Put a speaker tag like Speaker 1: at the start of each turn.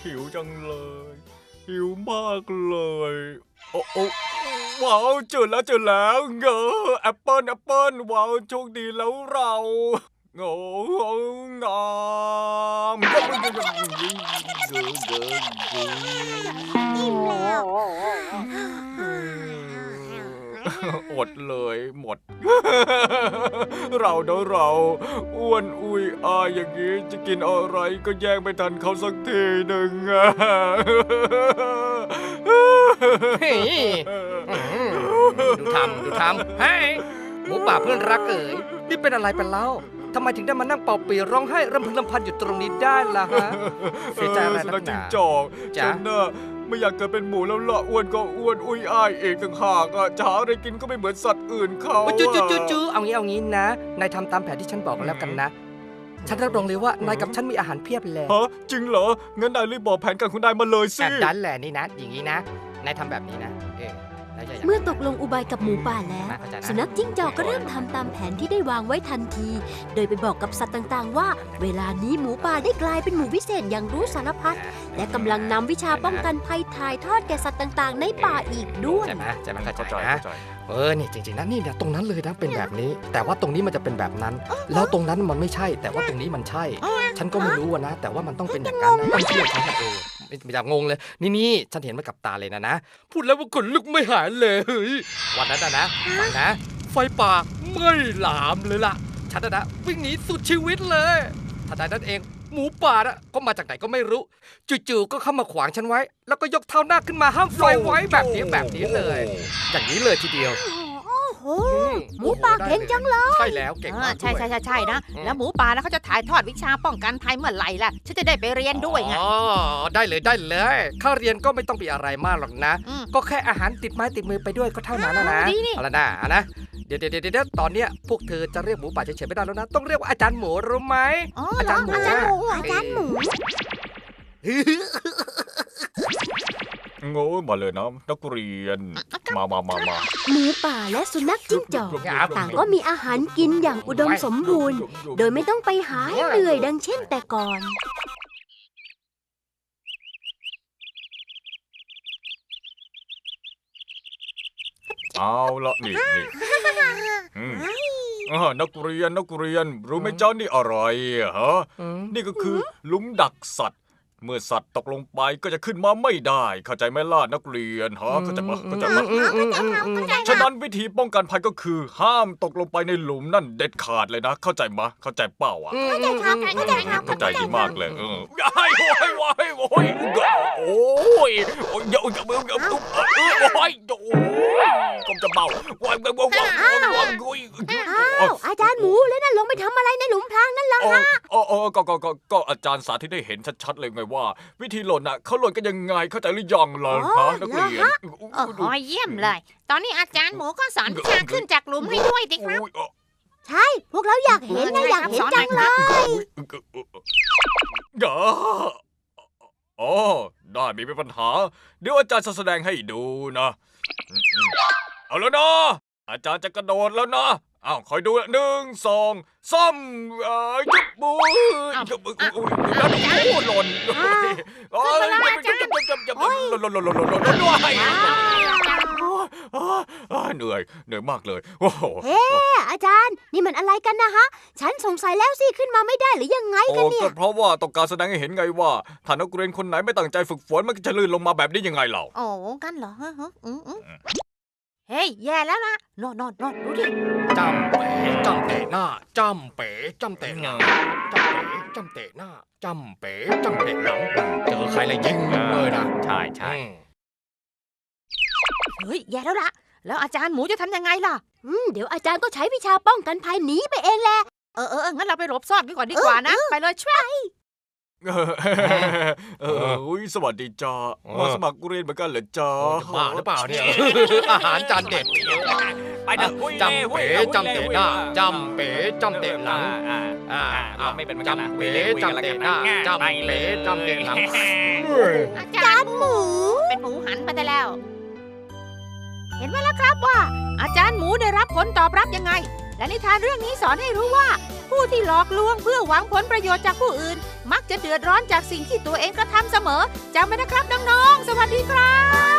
Speaker 1: หิวจังเลยหิวมากเลยโอ้โอ้ว้าวเจอแล้วเงอแอปเปิ้ลว้าวโชคดีแล้วเราโง่งาม
Speaker 2: อิ่มแล้ว
Speaker 1: อดเลยหมดเราอ้วนอุยอายอย่างนี้จะกินอะไรก็แย่งไม่ทันเขาสักทีหนึ่ง
Speaker 3: เฮ้ยดูทำเฮ้ยหมูป่าเพื่อนรักเอ๋ยนี่เป็นอะไรไปเล่าทำไมถึงได้มานั่งเป่าปีร้องไห้รำพึงรำพันอยู่ตรงนี้ได้ล่ะฮะเสียใจอะไรนักหนา
Speaker 1: จิ้งจอกฉันน่ะไม่อยากเกิดเป็นหมูแล้วล่ะอ้วนก็อ้วนอุยอ้ายเองต่างหากอ่ะจะหาอะไรกินก็ไม่เหมือนสัตว์อื่นเขา
Speaker 3: จูเอางี้นะนายทำตามแผนที่ฉันบอกแล้วกันนะฉันรับรองเลยว่านายกับฉันมีอาหารเพียบเลย
Speaker 1: ฮะจริงเหรองั้นนายรีบบอกแผนการของนายมาเลยสิ
Speaker 3: ดันแหละนี่นะอย่างนี้นะนายทำแบบนี้นะ
Speaker 2: เมื่อตกลงอุบายกับหมูป่าแล้วสุนัขจิ้งจอกก็เริ่มทำตามแผนที่ได้วางไว้ทันทีโดยไปบอกกับสัตว์ต่างๆว่าเวลานี้หมูป่าได้กลายเป็นหมูวิเศษอย่างรู้สารพัดและกำลังนำวิชาป้องกันภัยถ่ายทอดแก่สัตว์ต่างๆในป่าอีกด้วย
Speaker 3: ใช่ไหมเข้าใจนะนี่จริงๆนะนี่นะตรงนั้นเลยนะเป็นแบบนี้แต่ว่าตรงนี้มันจะเป็นแบบนั้นแล้วตรงนั้นมันไม่ใช่แต่ว่าตรงนี้มันใช่ฉันก็ไม่รู้นะแต่ว่ามันต้องเป็นอย่างนั้นนะต้องเชื่อฉันไม่อยากงงเลยนี่ฉันเห็นมากับตาเลยนะพูดแล้วว่าขนลุกไม่หายเลยวันนั้นนะไฟป่าไม่หลามเลยล่ะฉันนะวิ่งหนีสุดชีวิตเลยทันใดนั้นเองหมูป่าก็มาจากไหนก็ไม่รู้จู่ๆก็เข้ามาขวางฉันไว้แล้วก็ยกเท้าหน้าขึ้นมาห้ามไฟไว้แบบนี้เลยอย่างนี้เลยทีเดียว
Speaker 2: โอ้หมูป่าเก่งจังเลย
Speaker 3: ใช่แล้วเก่งมาก
Speaker 4: ใช่นะแล้วหมูป่านะเขาจะถ่ายทอดวิชาป้องกันภัยเมื่อไหร่ล่ะฉันจะได้ไปเรียนด้วยไง
Speaker 3: ได้เลยข้าเรียนก็ไม่ต้องไปอะไรมากหรอกนะก็แค่อาหารติดไม้ติดมือไปด้วยก็เท่านั้นนะเอาละนะเดี๋ยวตอนเนี้ยพวกเธอจะเรียกหมูป่าเฉยๆไม่ได้แล้วนะต้องเรียกว่าอาจารย์หมูรู้ไหม
Speaker 2: อาจารย์หมู
Speaker 1: โง่มาเลยนะนักเรียนมา
Speaker 2: หมูป่าและสุนัขจิ้งจอกต่างก็มีอาหารกินอย่างอุดมสมบูรณ์โดยไม่ต้องไปหาให้เหนื่อยดังเช่นแต่ก่อน
Speaker 1: เอาละนี่นักเรียนรู้ไหมเจ้านี่อะไรฮะนี่ก็คือหลุมดักสัตว์เมื่อสัตว์ตกลงไปก็จะขึ้นมาไม่ได้เข้าใจไหมล่ะนักเรียนฮะเข้าใจไหมฉะนั้นวิธีป้องกันภัยก็คือห้ามตกลงไปในหลุมนั่นเด็ดขาดเลยนะเข้าใจไหมเข้าใจเปล่าอ่ะเข้าใจดีมากเลยโอ้ยก็จะเบา
Speaker 2: อาจารย์หมูแล้วนั่นลงไปทำอะไรในหลุมพรางนั่นล่ะฮะ
Speaker 1: ก็อาจารย์สาธิตให้เห็นชัดๆเลยไงว่าวิธีหล่นน่ะเขาหล่นกันยังไงเข้าใจหรือยังล่ะฮะนักเรียน
Speaker 4: เยี่ยมเลยตอนนี้อาจารย์หมูก็สอนวิชาขึ้นจากหลุมให้ด้วยดิครับ
Speaker 2: ใช่พวกเราอยากเห็นนะอยากเห็นจังเลย
Speaker 1: ได้ไม่เป็นปัญหาเดี๋ยวอาจารย์จะแสดงให้ดูนะเอาแล้วนะอาจารย์จะกระโดดแล้วนะคอยดู1 2 3ยุบมือหล่นเหนื่อยมากเลยโอ้โห
Speaker 2: อาจารย์นี่มันอะไรกันนะฮะฉันสงสัยแล้วสิขึ้นมาไม่ได้หรือยังไงกันเนี่ย
Speaker 1: ก็เพราะว่าต้องการแสดงให้เห็นไงว่าถ้านักเรียนคนไหนไม่ตั้งใจฝึกฝนมันจะลื่นลงมาแบบนี้ยังไงเล่า
Speaker 4: กันเหรอเฮ้ยแย่แล้วล่ะนอนดูดิ
Speaker 3: จำเป๋จำเตะหน้าจำเป๋จำเตะหน้าจำเป๋จำเตะหน้าจำเป๋จำเตะหลังเจอใครเลยยิงเลยนะ
Speaker 1: ใช่
Speaker 4: เฮ้ยแย่แล้วล่ะแล้วอาจารย์หมูจะทำยังไงล่ะ
Speaker 2: เดี๋ยวอาจารย์ก็ใช้วิชาป้องกันภัยหนีไปเองแหละ
Speaker 4: งั้นเราไปหลบซ่อนกันก่อนดีกว่านะไปเลยช่วย
Speaker 1: สวัสดีจ้ามาสมัครเรียนเหมือนกันเหรอจ้า
Speaker 3: บ้าหรือเปล่าเนี่ยอาหารจานเด็ดไปนะจำเป๋จำเตะหน้าจำเป๋จำเตะหลัง
Speaker 1: ไม่เป็น
Speaker 3: จำเป๋จำเตะหน้าจำเป๋จำเตะหลัง
Speaker 4: อาจารย์หมูเป็นหมูหันไปได้แล้วเห็นไหมล่ะครับว่าอาจารย์หมูได้รับผลตอบรับยังไงและนิทานเรื่องนี้สอนให้รู้ว่าผู้ที่หลอกลวงเพื่อหวังผลประโยชน์จากผู้อื่น มักจะเดือดร้อนจากสิ่งที่ตัวเองกระทำเสมอจำไว้นะครับน้องๆสวัสดีครับ